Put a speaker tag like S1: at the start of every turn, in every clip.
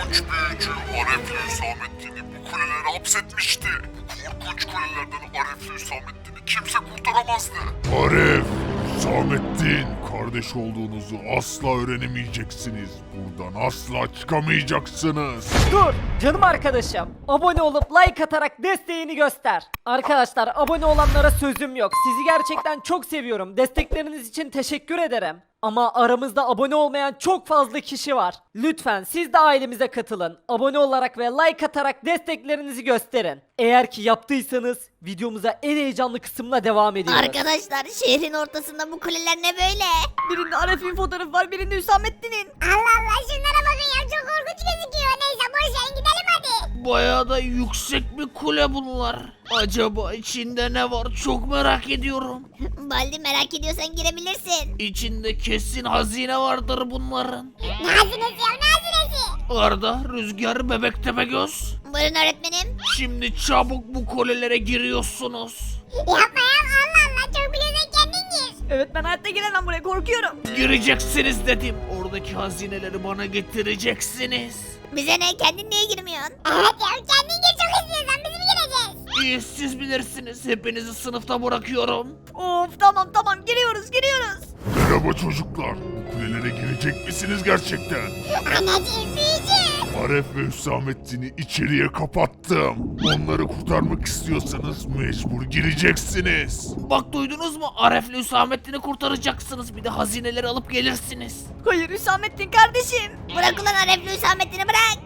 S1: korkunç büyücü Arefli Hüsamettin'i bu kulelere hapsetmişti. Bu korkunç kulelerden Arefli Hüsamettin'i kimse kurtaramazdı. Aref, Hüsamettin, kardeş olduğunuzu asla öğrenemeyeceksiniz. Buradan asla çıkamayacaksınız.
S2: Dur canım arkadaşım. Abone olup like atarak desteğini göster. Arkadaşlar abone olanlara sözüm yok. Sizi gerçekten çok seviyorum. Destekleriniz için teşekkür ederim. Ama aramızda abone olmayan çok fazla kişi var. Lütfen siz de ailemize katılın. Abone olarak ve like atarak desteklerinizi gösterin. Eğer ki yaptıysanız videomuza en heyecanlı kısımla devam ediyoruz.
S3: Arkadaşlar şehrin ortasında bu kuleler ne böyle?
S2: Birinde Aref'in fotoğrafı var, birinde Hüsamettin'in.
S3: Allah Allah şunlara bakın ya çok korkunç gözüküyor. Neyse boş verin gidelim hadi.
S4: Bayağı da yüksek bir kule bunlar. Acaba içinde ne var çok merak ediyorum.
S3: Baldi merak ediyorsan girebilirsin.
S4: İçinde kesin hazine vardır bunların.
S3: Ne hazinesi ya ne hazinesi?
S4: Arda, Rüzgar, Bebek Tepegöz.
S3: Buyurun öğretmenim.
S4: Şimdi çabuk bu kulelere giriyorsunuz.
S3: Yapma ya Allah Allah çok biliyorsan kendin gir.
S2: Evet ben hayatta giremem buraya, korkuyorum.
S4: Gireceksiniz dedim. Oradaki hazineleri bana getireceksiniz.
S3: Bize ne kendin niye girmiyorsun? Evet ya kendin gir çok istiyorsan biz mi gireceğiz?
S4: İyi siz bilirsiniz. Hepinizi sınıfta bırakıyorum.
S2: Of tamam giriyoruz.
S1: Merhaba çocuklar. Bu kulelere girecek misiniz gerçekten?
S3: Anneciğim büyücü.
S1: Aref ve Hüsamettin'i içeriye kapattım. Onları kurtarmak istiyorsanız mecbur gireceksiniz.
S4: Bak duydunuz mu? Aref'le Hüsamettin'i kurtaracaksınız. Bir de hazineleri alıp gelirsiniz.
S2: Hayır Hüsamettin kardeşim.
S3: Bırak ulan Arefli Hüsamettin'i bırak.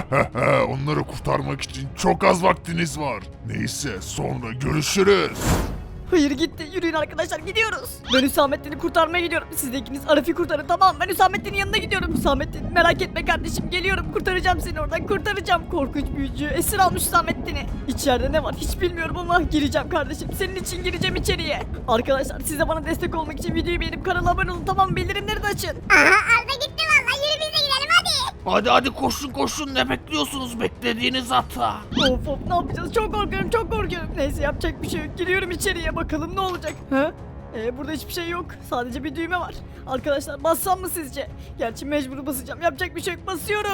S1: Onları kurtarmak için çok az vaktiniz var. Neyse sonra görüşürüz.
S2: Hayır gitti. Yürüyün arkadaşlar gidiyoruz. Ben Hüsamettin'i kurtarmaya gidiyorum. Siz de ikiniz Arif'i kurtarın tamam. Ben Hüsamettin'in yanına gidiyorum. Hüsamettin merak etme kardeşim geliyorum. Kurtaracağım seni oradan kurtaracağım. Korkunç büyücü esir almış Hüsamettin'i. İçeride ne var hiç bilmiyorum ama gireceğim kardeşim. Senin için gireceğim içeriye. Arkadaşlar siz de bana destek olmak için videoyu beğenip kanala abone olun tamam mı? Bildirimleri de açın.
S3: Aha Arda gitti valla yürü biz de gidelim hadi.
S4: Hadi koşun ne bekliyorsunuz beklediğiniz hata.
S2: Of ne yapacağız? Çok korkuyorum. Neyse yapacak bir şey yok. Giriyorum içeriye bakalım ne olacak. Ha? Burada hiçbir şey yok. Sadece bir düğme var. Arkadaşlar bassam mı sizce? Gerçi mecbur basacağım. Yapacak bir şey yok. Basıyorum.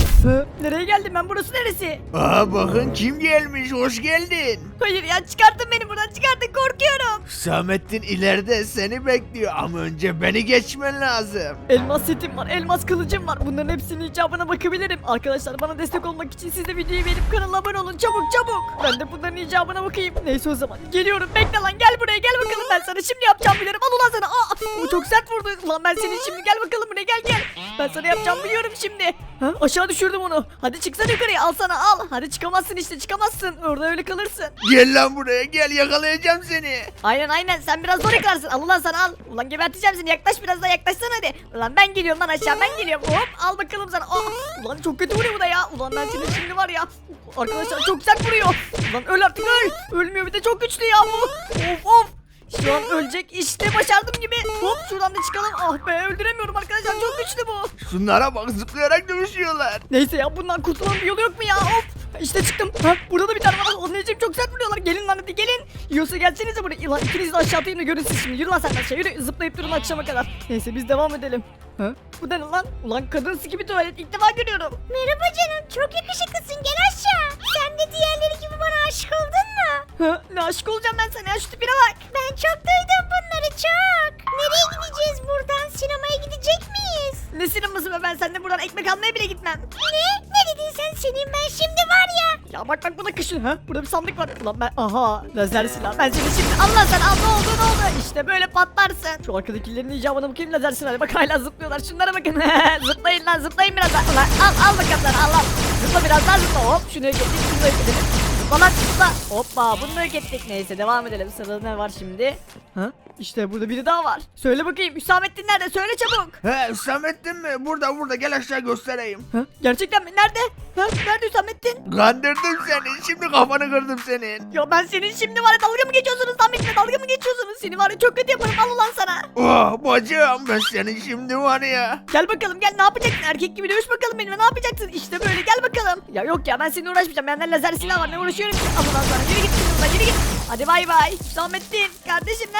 S2: Nereye geldim ben? Burası neresi?
S4: Aa bakın kim gelmiş hoş geldin.
S2: Hayır ya çıkartın beni buradan çıkartın korkuyorum.
S4: Hüsamettin ileride seni bekliyor ama önce beni geçmen lazım.
S2: Elmas setim var. Elmas kılıcım var. Bunların hepsinin icabına bakabilirim. Arkadaşlar bana destek olmak için siz de videoyu beğenip kanala abone olun. Çabuk. Ben de bunların icabına bakayım. Neyse o zaman. Geliyorum. Bekle lan gel buraya gel bakalım. Ben sana şimdi yapacağım bilirim. Al ulan sana. Bu çok sert vurdu. Ulan ben senin şimdi gel bakalım buraya gel. Ben sana yapacağım biliyorum şimdi. Aşağı düşürdüm onu. Hadi çıksana yukarıya al sana al. Hadi çıkamazsın işte çıkamazsın. Orada öyle kalırsın.
S4: Gel lan buraya gel yakalayacağım seni.
S2: Aynen sen biraz zor yakarsın. Al ulan sana al. Ulan geberteceğim seni. Yaklaş biraz daha yaklaşsana hadi. Ulan ben geliyorum lan aşağı ben geliyorum. Hop al bakalım sana. Ulan çok kötü vuruyor bu da ya. Ulan ben senin şimdi var ya. Arkadaşlar çok sert vuruyor. Ulan öl artık öl. Ölmüyor bir de çok güçlü ya bu. Of. Şu an ölecek işte başardım gibi. Hop şuradan da çıkalım. Ah be öldüremiyorum arkadaşlar çok güçlü bu.
S4: Şunlara bak zıplayarak dövüşüyorlar.
S2: Neyse ya bundan kurtulmanın bir yolu yok mu ya? Hop. İşte çıktım. Burada da bir tane var. Anneciğim çok sert vuruyorlar. Gelin lan hadi gelin. Yiyorsa gelsenize buraya. Lan ikiniz de aşağı atayım da görün siz şimdi. Yürü lan sen aşağı yürü. Zıplayıp durun akşama kadar. Neyse biz devam edelim. Bu da ne lan? Ulan kadınsı gibi tuvalet ilk defa görüyorum.
S3: Merhaba canım çok yakışıklısın gel aşağı. Sen de diğerleri gibi bana aşık oldun mu?
S2: Ne aşık olacağım ben sana ya şu tipine bak.
S3: Ben çok duydum bunları çok. Nereye gideceğiz buradan sinemaya gidecek miyiz?
S2: Ne sineması be ben seninle buradan ekmek almaya bile gitmem.
S3: Ne dedin sen senin ben şimdi var ya.
S2: Ya bak bu da kışın burada bir sandık var. Ulan ben aha lazer silah. Ben seni şimdi Allah sen al ne oldu İşte böyle patlarsın. Şu arkadakilerin icabına bakayım lazer silahı. Bak hala zıplıyorlar şunlara bakın. Zıplayın lan zıplayın biraz daha. Ulan al bakalım lan al. Zıpla biraz daha zıpla hop şunu yok ettik şunu yok edelim. Zıpla lan zıpla. Hoppa bunu yok ettik. Neyse devam edelim sırada ne var şimdi? İşte burada biri daha var. Söyle bakayım Hüsamettin nerede söyle çabuk.
S4: He Hüsamettin mi? Burada gel aşağı göstereyim.
S2: Gerçekten mi? Nerede? Nerede Hüsamettin?
S4: Kandırdım seni şimdi kafanı kırdım senin.
S2: Ya ben senin şimdi var ya dalga mı geçiyorsunuz lan benimle dalga mı geçiyorsunuz? Seni var ya çok kötü yaparım al ulan sana.
S4: Oh bacım ben senin şimdi var ya.
S2: Gel bakalım gel ne yapacaksın erkek gibi dövüş bakalım benimle ne yapacaksın işte böyle gel bakalım. Ya yok ya ben seninle uğraşmayacağım benden lazer silah var ne uğraşıyorum ki al ulan sana yürü git buradan yürü git. Hadi bay bay Hüsamettin kardeşim neredesin?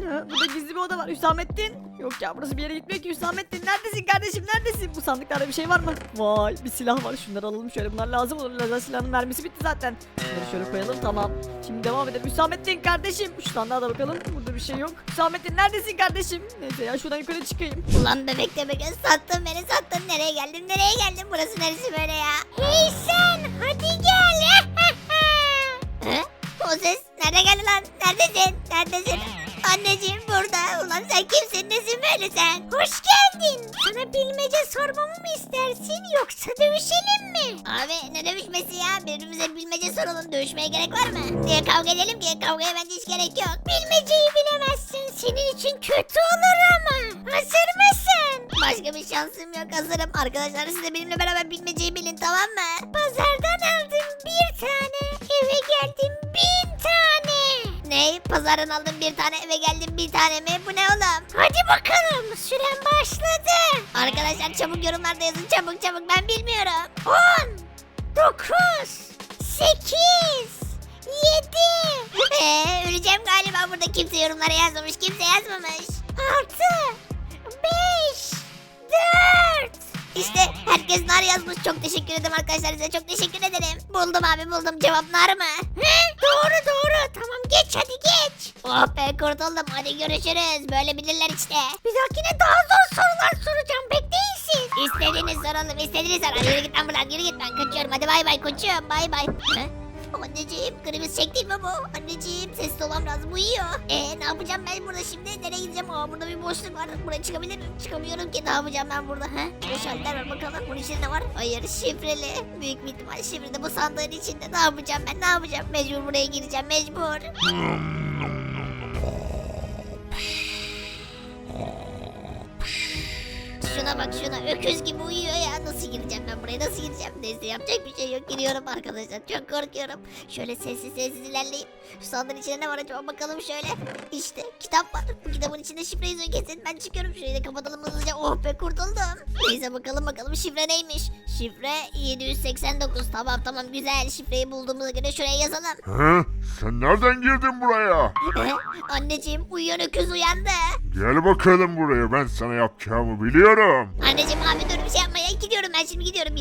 S2: Ha, burada gizli bir oda var. Hüsamettin. Yok ya, burası bir yere gitmiyor ki. Hüsamettin neredesin kardeşim, neredesin? Bu sandıklarda bir şey var mı? Vay, bir silah var. Şunları alalım şöyle. Bunlar lazım olur. Lazer silahının mermisi bitti zaten. Bunları şöyle koyalım, tamam. Şimdi devam edelim. Hüsamettin kardeşim. Şu sandığa da bakalım. Burada bir şey yok. Hüsamettin neredesin kardeşim? Neyse ya, şuradan yukarı çıkayım.
S3: Ulan bebek de bebek sattın beni sattın. Nereye geldim nereye geldim? Burası neresi böyle ya? Hey sen hadi gel. He? O ses nerede geldi lan? Neredesin? Neredesin? Anneciğim burada. Ulan sen kimsin? Nesin böyle sen? Hoş geldin. Sana bilmece sormamı mı istersin yoksa dövüşelim mi? Abi ne dövüşmesi ya? Birbirimize bilmece soralım. Dövüşmeye gerek var mı? Niye kavga edelim ki? Kavgaya bence hiç gerek yok. Bilmeceyi bilemezsin. Senin için kötü olur ama. Hazır mısın? Başka bir şansım yok. Hazırım. Arkadaşlar siz de benimle beraber bilmeceyi bilin, tamam mı? Pazardan aldım bir tane. Eve geldim 1000 tane. Ne? Pazardan aldım bir tane, eve geldim bir tane mi? Bu ne oğlum? Hadi bakalım. Süren başladı. Arkadaşlar çabuk yorumlarda yazın. Çabuk çabuk, ben bilmiyorum. 10 9 8 7 öleceğim galiba burada. Kimse yorumlara yazmamış. Kimse yazmamış. 6 5 4 İşte herkes nar yazmış. Çok teşekkür ederim arkadaşlar, size çok teşekkür ederim. Buldum abi, buldum. Cevap nar mı? He? Doğru doğru. Tamam geç hadi geç. Oh be, kurtuldum. Hadi görüşürüz. Böyle bilirler işte. Bir dahakine daha zor sorular soracağım. Bekleyin siz. İstediğiniz soralım. İstediğiniz sor. Hadi yürü git lan buradan. Yürü git, ben kaçıyorum. Hadi bay bay koçum. Bay bay. He? Anneciğim, kriz çekti mi bu? Anneciğim, sesli olmam lazım, uyuyor. Ne yapacağım ben burada şimdi? Nereye gideceğim? Aa, burada bir boşluk var. Buraya çıkabilir miyim? Çıkamıyorum ki. Ne yapacağım ben burada? Şalter var bakalım. Bunun içinde ne var? Hayır, şifreli. Büyük bir ihtimal şifreli bu sandığın içinde. Ne yapacağım ben? Ne yapacağım? Mecbur buraya gireceğim. Mecbur. Şuna bak şuna, öküz gibi uyuyor ya. Nasıl gireceğim ben buraya, nasıl gireceğim? Neyse, yapacak bir şey yok, giriyorum arkadaşlar. Çok korkuyorum. Şöyle sessiz sessiz ilerleyip şu sandığın içinde ne var acaba, bakalım şöyle. İşte kitap var. Bu kitabın içinde şifre yazıyor kesin. Ben çıkıyorum, şurayı da kapatalım hızlıca. Oh be, kurtuldum. Neyse bakalım şifre neymiş? Şifre 789. Tamam güzel, şifreyi bulduğumuza göre şuraya yazalım.
S1: He? Sen nereden girdin buraya?
S3: Anneciğim, uyuyan öküz uyandı.
S1: Gel bakalım buraya, ben sana yapacağımı biliyorum.
S3: Anneciğim abi dur, bir şey yapmaya gidiyorum, ben şimdi gidiyorum.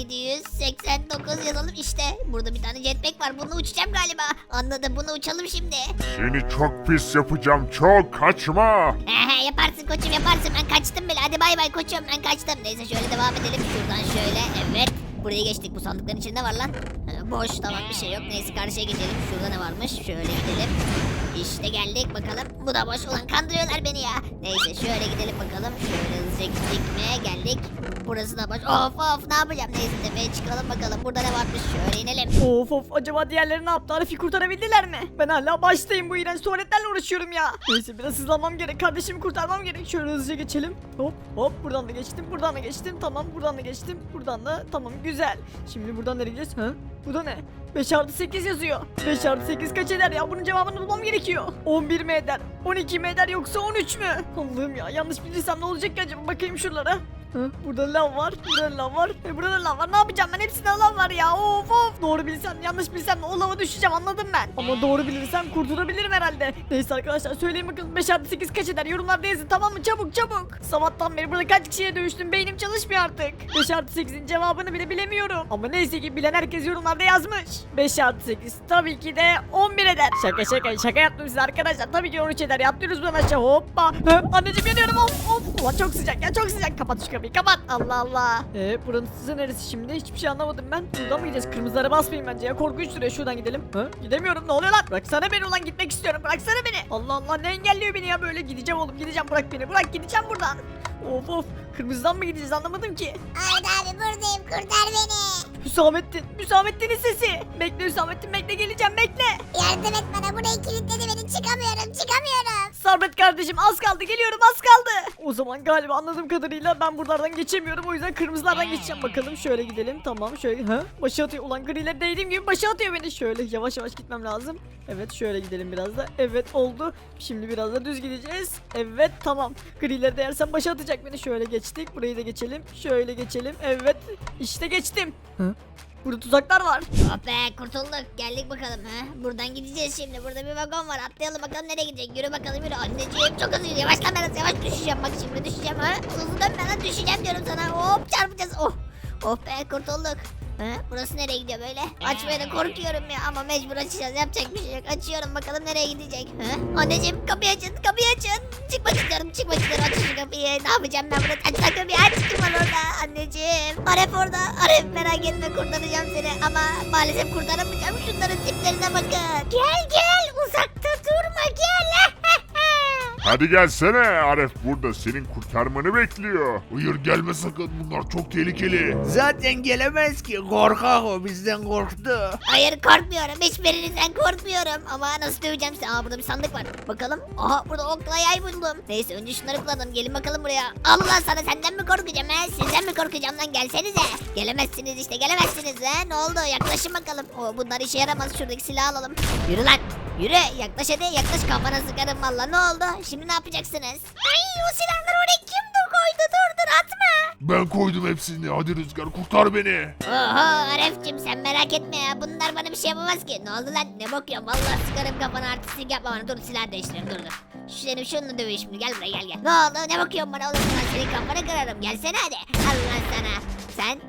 S3: 789 yazalım işte. Burada bir tane jetpack var, bununla uçacağım galiba. Anladım, bunu uçalım şimdi.
S1: Seni çok pis yapacağım, çok kaçma.
S3: Yaparsın koçum yaparsın, ben kaçtım bile. Hadi bay bay koçum, ben kaçtım. Neyse şöyle devam edelim şuradan şöyle, evet. Buraya geçtik, bu sandıkların içinde var lan. Boş, tamam bir şey yok. Neyse karşıya geçelim, şurada ne varmış, şöyle gidelim. İşte geldik bakalım. Bu da boş, ulan kandırıyorlar beni ya. Neyse şöyle gidelim bakalım. Şöyle hızlıca gittik mi geldik. Burası da boş. Of ne yapacağım. Neyse tepeye çıkalım bakalım. Burada ne varmış, şöyle inelim.
S2: Of acaba diğerleri ne yaptı? Arif'i kurtarabildiler mi? Ben hala baştayım, bu iğrenç tuvaletlerle uğraşıyorum ya. Neyse biraz hızlanmam gerek, kardeşimi kurtarmam gerek. Şöyle hızlıca geçelim. Hop buradan da geçtim, buradan da geçtim. Tamam, buradan da geçtim, buradan da tamam, güzel. Şimdi buradan nereye gideceğiz? Bu da ne? 5 artı 8 yazıyor. 5 artı 8 kaç eder ya? Bunun cevabını bulmam gerekiyor. 11 mi eder? 12 mi eder yoksa 13 mü? Allah'ım ya, yanlış bilirsem ne olacak ki acaba? Bakayım şuralara. Burada lav var, burada lav var, burada da lav var. Ne yapacağım ben? Hepsinde lav var ya. Of. Doğru bilsem, yanlış bilsem o lava düşeceğim, anladım ben. Ama doğru bilirsem kurtulabilirim herhalde. Neyse arkadaşlar, söyleyin bakalım 5 artı 8 kaç eder? Yorumlarda yazın, tamam mı? Çabuk. Sabahtan beri burada kaç kişiye dövüştüm, beynim çalışmıyor artık. 5 artı 8'in cevabını bile bilemiyorum. Ama neyse ki bilen herkes yorumlarda yazmış. 5 artı 8 tabii ki de 11 eder. Şaka yaptım size arkadaşlar. Tabii ki 13 eder. Yaptınız buradan aşağı, hoppa. Anneciğim yanıyorum, of. Ulan çok sıcak ya, çok sıcak. Kapat şu kapıyı, kapat. Allah. Burası neresi şimdi? Hiçbir şey anlamadım ben. Buradan mı gideceğiz? Kırmızılara basmayayım bence ya. Korkunç duruyor. Şuradan gidelim. Gidemiyorum. Ne oluyor lan? Bıraksana beni ulan, gitmek istiyorum. Bıraksana beni. Allah ne engelliyor beni ya böyle? Gideceğim oğlum, gideceğim. Bırak beni. Bırak, gideceğim buradan. Of. Kırmızıdan mı gideceğiz, anlamadım ki.
S3: Arda abi buradayım, kurtar beni.
S2: Hüsamettin'in sesi. Bekle Hüsamettin, bekle, geleceğim, bekle.
S3: Yardım et bana, burayı kilitledi beni, çıkamıyorum.
S2: Sabret kardeşim, az kaldı, geliyorum, az kaldı. O zaman galiba anladığım kadarıyla ben buralardan geçemiyorum, o yüzden kırmızılardan geçeceğim. Bakalım şöyle gidelim, tamam şöyle. Başı atıyor ulan, griler değdiğim gibi başı atıyor beni. Şöyle yavaş gitmem lazım. Evet şöyle gidelim biraz da. Evet oldu. Şimdi biraz da düz gideceğiz. Evet tamam. Grileri değersem başı atacak beni. Şöyle geçtik, burayı da geçelim. Şöyle geçelim. Evet işte geçtim. Burada tuzaklar var.
S3: Oh be kurtulduk. Geldik bakalım ha. Buradan gideceğiz şimdi. Burada bir vagon var. Atlayalım bakalım nereye gidecek. Yürü bakalım yürü. Anneciğim çok hızlı yürü. Yavaşlan biraz yavaş düşeceğim. Bak şimdi düşeceğim ha. Hızlı dönme lan düşeceğim diyorum sana. Hop çarpacağız. Oh. Oh be kurtulduk. Ha, burası nereye gidiyor böyle? Açmaya da korkuyorum ya ama mecbur açacağız. Yapacak bir şey yok. Açıyorum bakalım nereye gidecek. Ha? Anneciğim kapıyı açın kapıyı açın. Çıkmak istiyorum açın şu kapıyı. Ne yapacağım ben burada? Aç lan kapıyı aç. Kim var orada? Anneciğim. Aref orada. Aref merak etme kurtaracağım seni. Ama maalesef kurtaramayacağım. Şunların tiplerine bakın. Gel uzakta durma gel.
S1: Hadi gelsene Aref burada senin kurtarmanı bekliyor. Hayır gelme sakın bunlar çok tehlikeli.
S4: Zaten gelemez ki, korkak o, bizden korktu.
S3: Hayır korkmuyorum. Hiçbirinizden korkmuyorum. Ama nasıl döveceğim sizi? Aa burada bir sandık var. Bakalım. Aha burada okla yay buldum. Neyse önce şunları kullanalım. Gelin bakalım buraya. Allah sana senden mi korkacağım he? Sizden mi korkacağım lan? Gelsenize. Gelemezsiniz işte gelemezsiniz he. Ne oldu? Yaklaşın bakalım. O bunlar işe yaramaz. Şuradaki silahı alalım. Yürü lan. Yürü yaklaş hadi yaklaş kafana sıkarım valla ne oldu şimdi ne yapacaksınız? Ay o silahları oraya kim koydu dur atma.
S1: Ben koydum hepsini hadi Rüzgar kurtar beni.
S3: Oho Aref'cim sen merak etme ya bunlar bana bir şey yapamaz ki. Ne oldu lan ne bakıyorsun valla sıkarım kafana artistlik yapma bana dur silah değiştirelim dur. Senin şununla dövüş şimdi gel buraya gel. Ne oldu ne bakıyorsun bana oğlum ben senin kafanı kırarım gelsene hadi. Allah sana.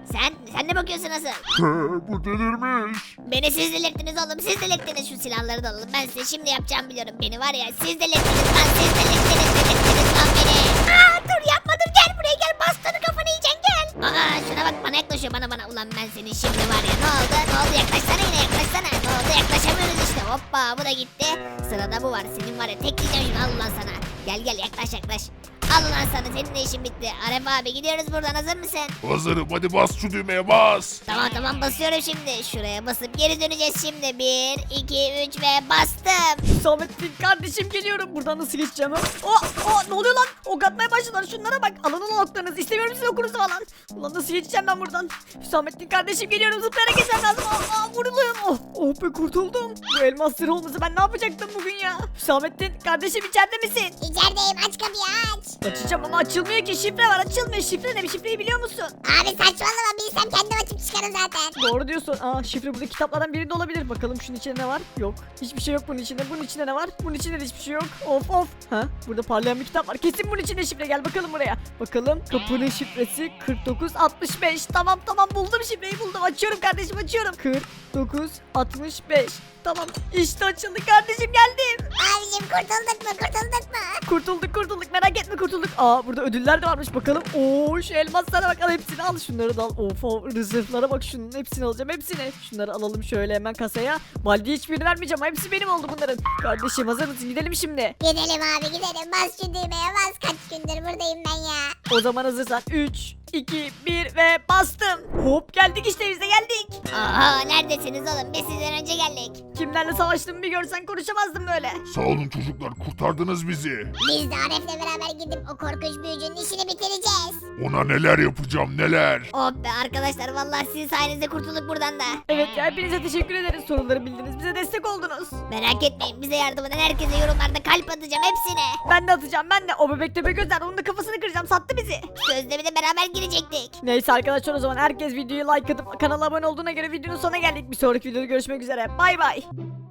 S3: Sen ne bakıyorsun nasıl?
S1: Bu delirmiş.
S3: Beni siz delirttiniz oğlum siz delirttiniz şu silahları da alalım ben size şimdi yapacağım biliyorum beni var ya siz delirttiniz lan siz delirttiniz lan beni. Aa dur yapma dur gel buraya gel bastonu kafanı yiyeceksin gel. Aa şuna bak bana yaklaşıyor bana ulan ben senin şimdi var ya ne oldu yaklaşsana yine yaklaşsana ne oldu yaklaşamıyoruz işte hoppa bu da gitti. Sırada bu var senin var ya tek diyeceğim şunu al ulan sana gel yaklaş. Al ulan sana senin de işin bitti. Aref abi gidiyoruz buradan hazır mısın?
S1: Hazırım hadi bas şu düğmeye bas.
S3: Tamam basıyorum şimdi. Şuraya basıp geri döneceğiz şimdi. 1, 2, 3 ve bastım.
S2: Hüsamettin kardeşim geliyorum. Buradan nasıl geçeceğim ha? Ne oluyor lan? Ok atmaya başladılar. Şunlara bak. Alın o oklarınızı. İstemiyorum sizin okunuzu falan. Ulan nasıl geçeceğim ben buradan? Hüsamettin kardeşim geliyorum. Zıplayarak geçmem lazım. Vuruluyorum. Oh be kurtuldum. Bu elmas sırrı olmasa ben ne yapacaktım bugün ya? Hüsamettin kardeşim içeride misin?
S3: İçerideyim aç kapıyı aç.
S2: Açacağım ama açılmıyor ki. Şifre var açılmıyor. Şifre ne? Bir şifreyi biliyor musun?
S3: Abi saçmalama bilsem kendim açıp çıkarım zaten.
S2: Doğru diyorsun. Şifre burada kitaplardan birinde olabilir. Bakalım şunun içinde ne var? Yok. Hiçbir şey yok bunun içinde. Bunun içinde ne var? Bunun içinde de hiçbir şey yok. Of. Ha? Burada parlayan bir kitap var. Kesin bunun içinde şifre. Gel bakalım buraya. Bakalım. Kapının şifresi 4965. Tamam buldum şifreyi buldum. Açıyorum kardeşim açıyorum. 4965. Tamam. İşte açıldı kardeşim geldim.
S3: Abicim kurtulduk mu?
S2: Kurtulduk. Merak etme kurtulduk. Burada ödüller de varmış bakalım. Şu elmaslara bak al hepsini al. Şunları da al. Of rezervlara bak şunun hepsini alacağım hepsini. Şunları alalım şöyle hemen kasaya. Baldi'ye hiçbirini vermeyeceğim. Hepsi benim oldu bunların. Kardeşim hazır mısın? Gidelim şimdi.
S3: Gidelim abi gidelim. Bas şu düğmeye bas. Kaç gündür buradayım ben ya.
S2: O zaman hazırsan 3, 2, 1 ve bastım. Hop geldik işte biz de geldik.
S3: Oha neredesiniz oğlum? Biz sizden önce geldik.
S2: Kimlerle savaştığımı bir görsen konuşamazdım böyle.
S1: Sağ olun çocuklar kurtardınız bizi.
S3: Biz de Aref'le beraber gidip o korkunç büyücünün işini bitireceğiz.
S1: Ona neler yapacağım neler.
S3: Oh be arkadaşlar vallahi sizin sayenizde kurtulduk buradan da.
S2: Evet ya hepinize teşekkür ederiz. Soruları bildiniz. Bize destek oldunuz.
S3: Merak etmeyin bize yardım eden herkese yorumlarda kalp atacağım hepsine.
S2: Ben de atacağım ben de. O bebek tepe gözler onun da kafasını kıracağım. Sattı bizi.
S3: Sözde bir de beraber girecektik.
S2: Neyse arkadaşlar o zaman herkes videoyu like atıp kanala abone olduğuna göre videonun sonuna geldik. Bir sonraki videoda görüşmek üzere. Bay bay.